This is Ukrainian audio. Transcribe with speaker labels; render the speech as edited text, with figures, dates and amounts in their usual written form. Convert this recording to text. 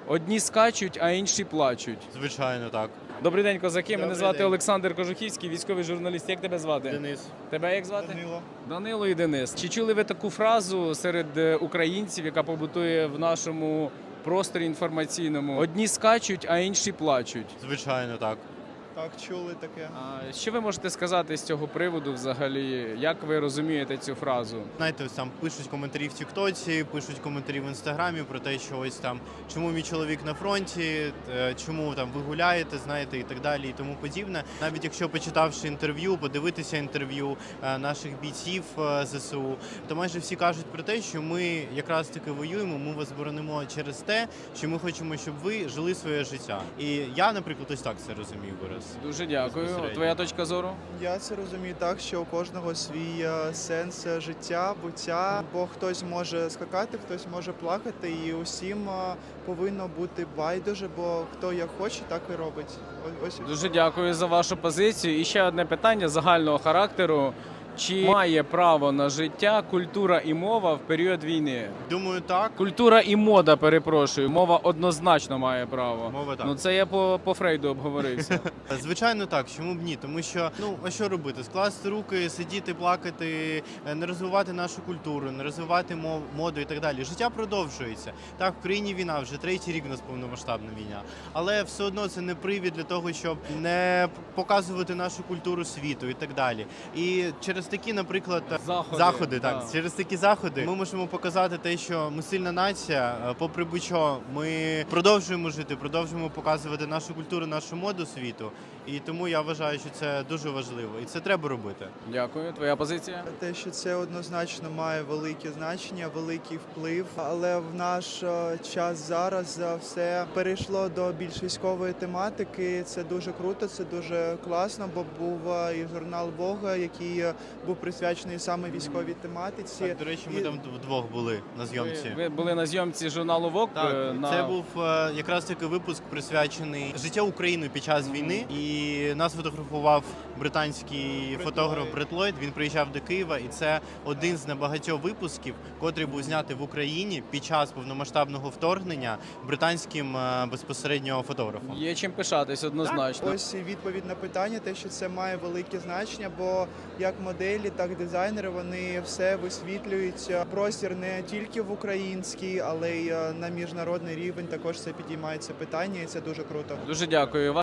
Speaker 1: Одні скачуть, а інші плачуть.
Speaker 2: Звичайно, так.
Speaker 1: Добрий день, козаки. Мене
Speaker 2: Добрий
Speaker 1: звати
Speaker 2: день.
Speaker 1: Олександр Кожухівський, військовий журналіст. Як тебе звати?
Speaker 2: Денис.
Speaker 1: Тебе як звати?
Speaker 2: Данило.
Speaker 1: Данило і Денис. Чи чули ви таку фразу серед українців, яка побутує в нашому просторі інформаційному? Одні скачуть, а інші плачуть.
Speaker 2: Звичайно, так.
Speaker 3: Так, чули таке.
Speaker 1: А що ви можете сказати з цього приводу взагалі? Як ви розумієте цю фразу?
Speaker 2: Знаєте, ось там пишуть коментарі в Тіктоці, пишуть коментарі в Інстаграмі про те, що ось там чому мій чоловік на фронті, чому там ви гуляєте, знаєте, і так далі, і тому подібне. Навіть якщо почитавши інтерв'ю, подивитися інтерв'ю наших бійців ЗСУ, то майже всі кажуть про те, що ми якраз таки воюємо, ми вас боронимо через те, що ми хочемо, щоб ви жили своє життя. І я, наприклад, ось так це розумію вираз.
Speaker 1: Дуже дякую.
Speaker 2: Безпосередньо.
Speaker 1: Твоя точка зору?
Speaker 3: Я це розумію так, що у кожного свій сенс життя, буття, бо хтось може скакати, хтось може плакати, і усім повинно бути байдуже, бо хто як хоче, так і робить. Ось
Speaker 1: Дуже дякую за вашу позицію. І ще одне питання загального характеру. Чи має право на життя культура і мова в період війни?
Speaker 2: Думаю, так.
Speaker 1: Культура і мода, перепрошую. Мова однозначно має право.
Speaker 2: Мова так.
Speaker 1: Ну це я по Фрейду обговорився.
Speaker 2: Звичайно, так. Чому б ні? Тому що а що робити? Скласти руки, сидіти, плакати, не розвивати нашу культуру, не розвивати моду і так далі. Життя продовжується. Так, в країні війна, вже третій рік у нас повномасштабна війна. Але все одно це не привід для того, щоб не показувати нашу культуру світу і так далі. І через такі, наприклад, заходи,
Speaker 1: так.
Speaker 2: через такі заходи ми можемо показати те, що ми сильна нація, попри будь-що, ми продовжуємо жити, продовжуємо показувати нашу культуру, нашу моду світу. І тому я вважаю, що це дуже важливо. І це треба робити.
Speaker 1: Дякую. Твоя позиція?
Speaker 3: те, що це однозначно має велике значення, великий вплив. Але в наш час зараз все перейшло до більш військової тематики. Це дуже круто, це дуже класно, бо був і журнал Бога, який був присвячений саме військовій тематиці.
Speaker 2: Так, до речі, ми там вдвох були на зйомці.
Speaker 1: Ви були на зйомці журналу ВОК?
Speaker 2: Так, це був якраз таки випуск присвячений життю України під час війни. І нас фотографував британський фотограф Бред Ллойд. Він приїжджав до Києва, і це один з небагатьох випусків, котрий був знятий в Україні під час повномасштабного вторгнення британським безпосередньо фотографом.
Speaker 1: Є чим пишатись однозначно.
Speaker 3: Ось і відповідь на питання, те, що це має велике значення, бо як моделі, так і дизайнери, вони все висвітлюють. Простір не тільки в український, але й на міжнародний рівень також це підіймається питання, і це дуже круто.
Speaker 1: Дуже дякую.